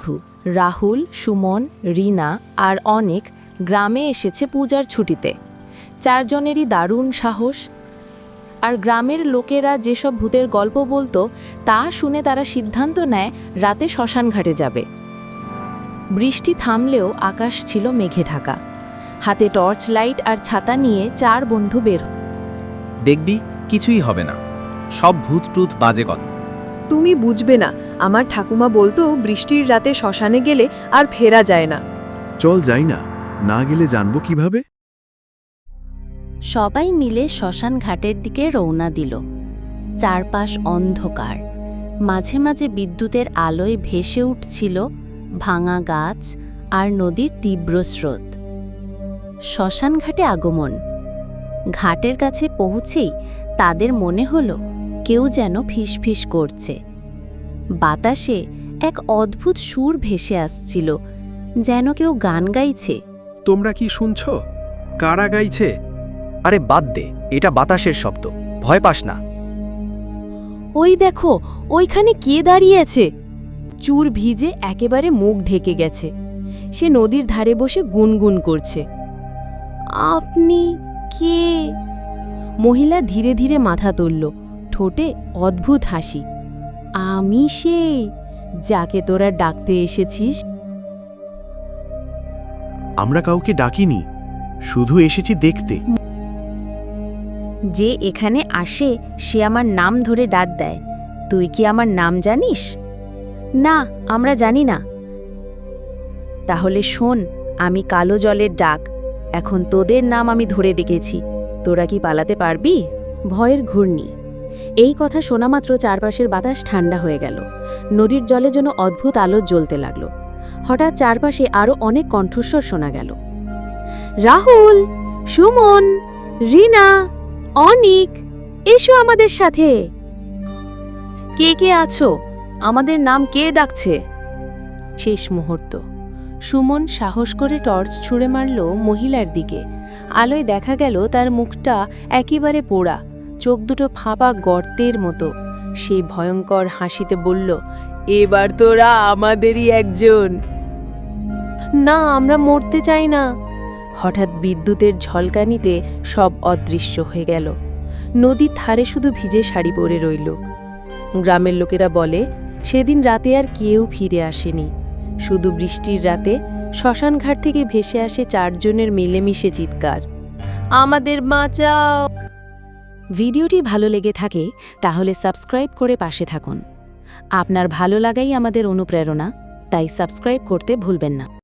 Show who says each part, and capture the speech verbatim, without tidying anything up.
Speaker 1: রাহুল, সুমন, রিনা আর অনেক গ্রামে এসেছে পূজার ছুটিতে। চারজনেরই দারুণ সাহস। আর গ্রামের লোকেরা যেসব ভূতের গল্প বলতো তা শুনে তারা সিদ্ধান্ত নেয় রাতে শ্মশানঘাটে যাবে। বৃষ্টি থামলেও আকাশ ছিল মেঘে ঢাকা। হাতে টর্চ লাইট আর ছাতা নিয়ে চার বন্ধু বের।
Speaker 2: দেখবি কিছুই হবে না, সব ভূত টুত বাজে কথা।
Speaker 3: তুমি বুঝবে না, আমার ঠাকুমা বলতো বৃষ্টির রাতে শ্মশানে গেলে আর ফেরা যায় না।
Speaker 4: চল যাই না, না গেলে জানবো কিভাবে?
Speaker 1: সবাই মিলে শ্মশান ঘাটের দিকে রওনা দিল। চারপাশ অন্ধকার, মাঝে মাঝে বিদ্যুতের আলোয় ভেসে উঠছিল ভাঙা গাছ আর নদীর তীব্র স্রোত। শ্মশান ঘাটে আগমন। ঘাটের কাছে পৌঁছেই তাদের মনে হলো কেউ যেন ফিসফিস করছে। বাতাসে এক অদ্ভুত সুর ভেসে আসছিল, যেন কেউ গান গাইছে।
Speaker 4: তোমরা কি শুনছ? কারা গাইছে?
Speaker 2: আরে বাদ দে, এটা বাতাসের শব্দ, ভয় পাস না।
Speaker 1: ওই দেখো, ওইখানে কে দাঁড়িয়ে আছে? চুর ভিজে একেবারে মুখ ঢেকে গেছে। সে নদীর ধারে বসে গুনগুন করছে। আপনি কে? মহিলা ধীরে ধীরে মাথা তুলল, ঠোঁটে অদ্ভুত হাসি। আমি সেই যাকে তোরা ডাকতে এসেছিস।
Speaker 4: আমরা কাউকে ডাকিনি, শুধু এসেছি দেখতে।
Speaker 1: যে এখানে আসে সে আমার নাম ধরে ডাক দেয়। তুই কি আমার নাম জানিস? না, আমরা জানি না। তাহলে শোন, আমি কালো জলের ডাক। এখন তোদের নাম আমি ধরে দেখেছি, তোরা কি পালাতে পারবি? ভয়ের ঘূর্ণি। এই কথা শোনামাত্র চারপাশের বাতাস ঠান্ডা হয়ে গেল। নদীর জলে যেন অদ্ভুত আলো জ্বলতে লাগলো। হঠাৎ চারপাশে আরও অনেক কণ্ঠস্বর শোনা গেল। রাহুল, সুমন, রিনা, অনিক, এসো আমাদের সাথে। কে কে আছো? আমাদের নাম কে ডাকছে? শেষ মুহূর্ত। সুমন সাহস করে টর্চ ছুঁড়ে মারল মহিলার দিকে। আলোয় দেখা গেল তার মুখটা একেবারে পোড়া, চোখ দুটো ফাঁপা গর্তের মতো। সে ভয়ঙ্কর হাসিতে বলল, এবার তোরা আমাদেরই একজন। না, আমরা মরতে চাই না। হঠাৎ বিদ্যুতের ঝলকানিতে সব অদৃশ্য হয়ে গেল। নদীর ধারে শুধু ভিজে শাড়ি পরে রইল। গ্রামের লোকেরা বলে সেদিন রাতে আর কেউ ফিরে আসেনি। শুধু বৃষ্টির রাতে শ্মশানঘাট থেকে ভেসে আসে চারজনের মিলেমিশে চিৎকার, আমাদের বাঁচাও। ভিডিওটি ভালো লেগে থাকে তাহলে সাবস্ক্রাইব করে পাশে থাকুন। আপনার ভালো লাগাই আমাদের অনুপ্রেরণা, তাই সাবস্ক্রাইব করতে ভুলবেন না।